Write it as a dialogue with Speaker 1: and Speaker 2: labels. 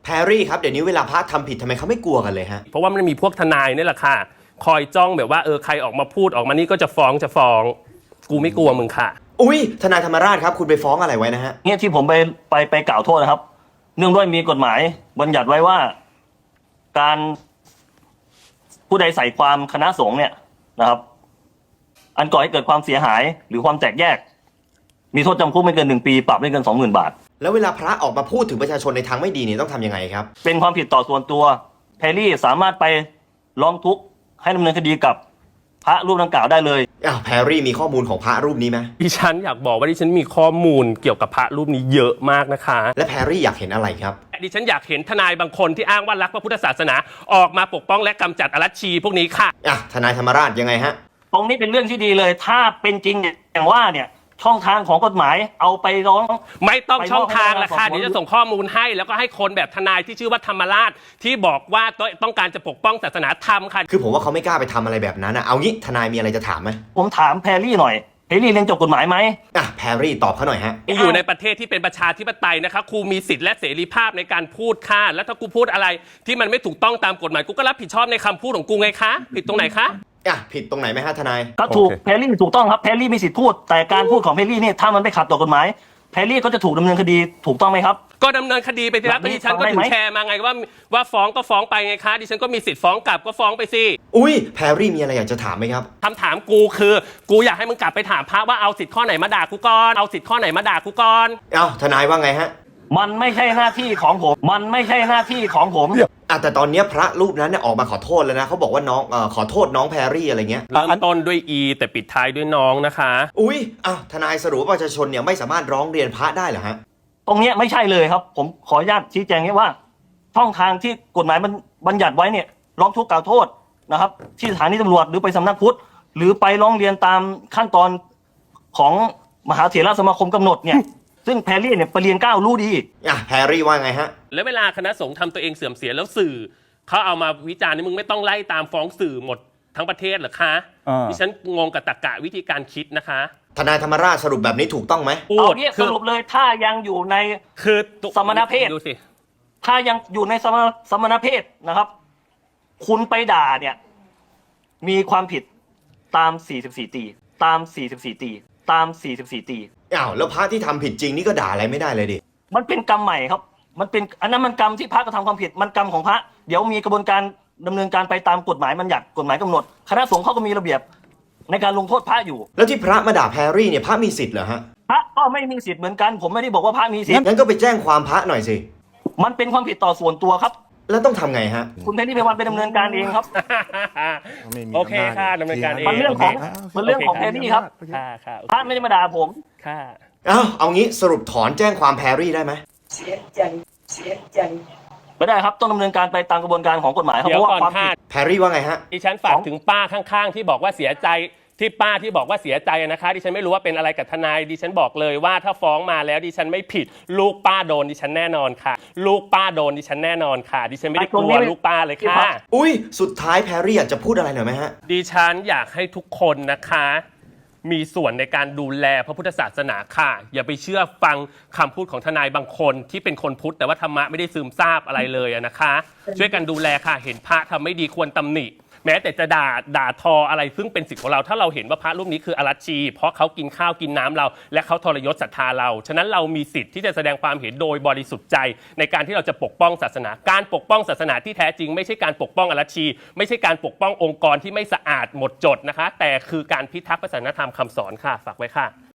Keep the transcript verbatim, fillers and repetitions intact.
Speaker 1: แพรรี่ครับเดี๋ยวนี้เวลาพระทำผิดทำไมเขาไม่กลัวกันเลยฮะ
Speaker 2: เพราะว่ามันมีพวกทนายนี่แหละค่ะคอยจ้องแบบว่าเออใครออกมาพูดออกมานี่ก็จะฟ้องจะฟ้องกูไม่กลัวมึงค่ะ
Speaker 1: อุ้ยทนายธรรมราชครับคุณไปฟ้องอะไรไว้นะฮะ
Speaker 3: เนี่ยที่ผมไปไปไปกล่าวโทษนะครับเนื่องด้วยมีกฎหมายบัญญัติไว้ว่าการผู้ใดใส่ความคณะสงฆ์เนี่ยนะครับอันก่อให้เกิดความเสียหายหรือความแตกแยกมีโทษจำคุกไม่เกินหนึ่งปีปรับไม่เกินสองหมื่นบาท
Speaker 1: แล้วเวลาพระออกมาพูดถึงประชาชนในทางไม่ดีเนี่ยต้องทำยังไงครับ
Speaker 3: เป็นความผิดต่อส่วนตัวแพรรี่สามารถไปร้องทุกข์ให้ดำเนินคดีกับพระรูปดังกล่าวได้เลย
Speaker 1: อ้าวแพรรี่มีข้อมูลของพระรูปนี้ไหม
Speaker 2: ดิฉันอยากบอกว่าดิฉันมีข้อมูลเกี่ยวกับพระรูปนี้เยอะมากนะคะ
Speaker 1: และแพรรี่อยากเห็นอะไรครับ
Speaker 2: ดิฉันอยากเห็นทนายบางคนที่อ้างว่ารักพระพุทธศาสนาออกมาปกป้องและกำจัดอรัชชีพวกนี้ค่ะ
Speaker 1: อ่ะทนายธรรมราชยังไงฮะ
Speaker 3: ตรงนี้เป็นเรื่องที่ดีเลยถ้าเป็นจริงอย่างว่าเนี่ยช่องทางของกฎหมายเอาไปร้อง
Speaker 2: ไม่ต้องช่องทางละค่ะเดี๋ยวจะส่งข้อมูลให้แล้วก็ให้คนแบบทนายที่ชื่อว่าธรรมราชที่บอกว่าต้องการจะปกป้องศาสนาธรรมค่ะ
Speaker 1: คือผมว่าเขาไม่กล้าไปทำอะไรแบบนั้นนะเอางี้ทนายมีอะไรจะถามไหม
Speaker 3: ผมถามแพรรี่หน่อยแพรรี่เรียนจบกฎหมายไหม
Speaker 1: อ่ะแพรรี่ตอบเขาหน่อยฮะ
Speaker 2: อยู่ในประเทศที่เป็นประชาธิปไตยนะคะครูมีสิทธิ์และเสรีภาพในการพูดค่ะแล้วถ้ากูพูดอะไรที่มันไม่ถูกต้องตามกฎหมายกูก็รับผิดชอบในคำพูดของกูไงคะผิดตรงไหนคะ
Speaker 1: อ่ะผิดตรงไหนไหมฮะทนาย
Speaker 3: ก็ถูกแพรรี่ถูกต้องครับแพรรี่มีสิทธิ์พูดแต่การพูดของแพรรี่เนี่ยถ้ามันไม่ขัดต่อกฎหมายแพรรี่ก็จะถูกดำเนินคดีถูกต้องไหมครับ
Speaker 2: ก็ดำเนินคดีไปทีละดิฉันก็ถึงแชร์มาไงว่าว่าฟ้องก็ฟ้องไปไงคะดิฉันก็มีสิทธิ์ฟ้องกลับก็ฟ้องไปสิ
Speaker 1: อุ้ยแพรรี่มีอะไรอยากจะถามไหมครับ
Speaker 2: คำถามกูคือกูอยากให้มึงกลับไปถามพระว่าเอาสิทธิ์ข้อไหนมาด่ากูก่อนเอาสิทธิ์ข้อไหนมาด่ากูก่อน
Speaker 1: เอ้าทนายว่าไงฮะ
Speaker 3: มันไม่ใช่หน้าที่ของผมมันไม่ใช่หน้าที่ของผม
Speaker 1: อ่ะแต่ตอนนี้พระรูปนั้นเนี่ยออกมาขอโทษแล้วนะเขาบอกว่าน้องเอ่อขอโทษน้องแพรรี่อะไรเงี้ย
Speaker 2: เริ่มต้นด้วย E แต่ปิดท้ายด้วยน้องนะคะ
Speaker 1: อุ้ยอ่ะทนายสรุปว่าประชาชนเนี่ยไม่สามารถร้องเรียนพระได้เหรอฮะ
Speaker 3: ตรงนี้ไม่ใช่เลยครับผมขออนุญาตชี้แจงให้ว่าช่องทางที่กฎหมายมันบัญญัติไว้เนี่ยร้องทุกข์กล่าวโทษนะครับที่สถานีตำรวจหรือไปสำนักพุทธหรือไปร้องเรียนตามขั้นตอนของมหาเถรสมาคมกำหนดเนี่ยซึ่งแพรรี่เนี่ยไปเรียนเก้ารู้ดี
Speaker 1: อ่ะแพรรี่ว่าไงฮะ
Speaker 2: แล้วเวลาคณะสงฆ์ทำตัวเองเสื่อมเสียแล้วสื่อเขาเอามาวิจารณ์นี่มึงไม่ต้องไล่ตามฟ้องสื่อหมดทั้งประเทศเหรอคะดิฉันงงกับตรรกะวิธีการคิดนะคะ
Speaker 1: ทนายธรรมราชสรุปแบบนี้ถูกต้องไหม
Speaker 3: เอาเนี่ยสรุปเลยถ้ายังอยู่ใน
Speaker 2: คือ
Speaker 3: สมณเพศ
Speaker 2: ดูสิ
Speaker 3: ถ้ายังอยู่ในสมณสมณเพศนะครับคุณไปด่าเนี่ยมีความผิดตามสี่สิบสี่ตีตามสี่สิบสี่ตีตามสี่สิบสี่ตี
Speaker 1: อ้าวแล้วพระที่ทำผิดจริงนี่ก็ด่าอะไรไม่ได้เลยดิ
Speaker 3: มันเป็นกรรมใหม่ครับมันเป็นอันนั้นมันกรรมที่พระกระทำความผิดมันกรรมของพระเดี๋ยวมีกระบวนการดำเนินการไปตามกฎหมายบัญญัติกฎหมายกำหนดคณะสงฆ์เขาก็มีระเบียบในการลงโทษพระอยู่
Speaker 1: แล้วที่พระมาด่าแพรรี่เนี่ยพระมีสิทธิ์เหรอฮะ
Speaker 3: พระก็ไม่มีสิทธิ์เหมือนกันผมไม่ได้บอกว่าพระมีสิทธิ์
Speaker 1: งั้นก็ไปแจ้งความพระหน่อยสิ
Speaker 3: มันเป็นความผิดต่อส่วนตัวครับ
Speaker 1: แล้วต้องทำไงฮะ
Speaker 3: คุณแพรรี่ไพวันไปดำเนินการเองครับ
Speaker 2: โอเคค่ะดำเนินการเอง
Speaker 3: มันเรื่องของมันเรื่องของแพรรี่ครับพระไม่ได้มาด่าผม
Speaker 2: ค่ะ
Speaker 1: เอ้าเอางี้สรุปถอนแจ้งความแพรรี่ได้ไหม
Speaker 3: เสียใจเสียใจไม่ได้ครับต้องดำเนินการไปตามกระบวนการของกฎหมายครับเพราะว่าความผิด
Speaker 1: แพรรี่ว่าไงฮะ
Speaker 2: ดิฉันฝากถึงป้าข้างๆที่บอกว่าเสียใจที่ป้าที่บอกว่าเสียใจนะคะดิฉันไม่รู้ว่าเป็นอะไรกับทนายดิฉันบอกเลยว่าถ้าฟ้องมาแล้วดิฉันไม่ผิดลูกป้าโดนดิฉันแน่นอนค่ะลูกป้าโดนดิฉันแน่นอนค่ะดิฉันไม่ได้กลัวลูกป้าเลยค่ะ
Speaker 1: อุ้ยสุดท้ายแพรรี่อยากจะพูดอะไรหน่อยไหมฮะ
Speaker 2: ดิฉันอยากให้ทุกคนนะคะมีส่วนในการดูแลพระพุทธศาสนาค่ะอย่าไปเชื่อฟังคำพูดของทนายบางคนที่เป็นคนพุทธแต่ว่าธรรมะไม่ได้ซึมซาบอะไรเลยนะคะช่วยกันดูแลค่ะเห็นพระทำไม่ดีควรตำหนิแม้แต่จะด่าด่าทออะไรซึ่งเป็นสิทธิ์ของเราถ้าเราเห็นว่าพระรูปนี้คืออรัชชีเพราะเขากินข้าวกินน้ำเราและเขาทรยศศรัทธาเราฉะนั้นเรามีสิทธิ์ที่จะแสดงความเห็นโดยบริสุทธิ์ใจในการที่เราจะปกป้องศาสนาการปกป้องศาสนาที่แท้จริงไม่ใช่การปกป้องอรัชชีไม่ใช่การปกป้ององค์กรที่ไม่สะอาดหมดจดนะคะแต่คือการพิทักษ์ศาสนธรรมคำสอนค่ะฝากไว้ค่ะ